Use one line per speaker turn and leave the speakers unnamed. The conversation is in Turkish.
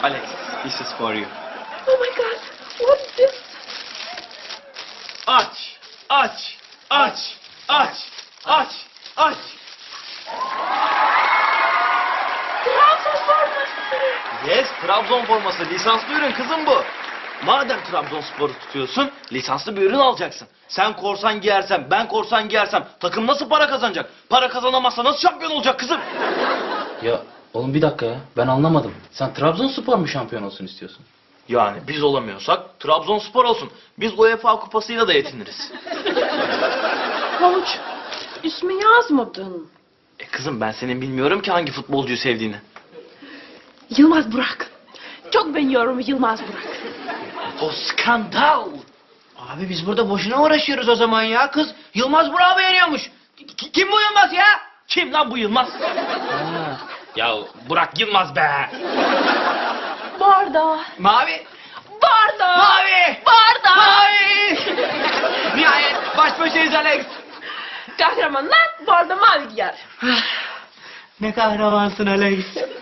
Alex, this is for you.
Oh my God, what's this?
Aç, aç, aç, aç, aç, aç.
Trabzon forması.
Yes, Trabzon forması. Lisanslı ürün kızım bu. Madem Trabzonspor'u tutuyorsun, lisanslı bir ürün alacaksın. Sen korsan giyersen, ben korsan giyersem takım nasıl para kazanacak? Para kazanamazsa nasıl şampiyon olacak kızım?
Ya oğlum bir dakika ya. Ben anlamadım. Sen Trabzonspor mu şampiyon olsun istiyorsun?
Yani biz olamıyorsak Trabzonspor olsun. Biz UEFA kupasıyla da yetiniriz.
Havuç, ismi yazmadın.
Kızım ben senin bilmiyorum ki hangi futbolcuyu sevdiğini.
Yılmaz Burak. Çok beğeniyorum Yılmaz Burak.
O skandal.
Abi biz burada boşuna uğraşıyoruz o zaman ya. Kız Yılmaz Burak'ı beğeniyormuş. Kim bu Yılmaz ya?
Kim lan bu Yılmaz? Ya Burak Yılmaz be.
Barda.
Mavi.
Barda.
Mavi.
Barda.
Mavi. Nihayet baş başayız Alex.
Kahramanlar barda mavi giyer.
Ne kahramansın Alex.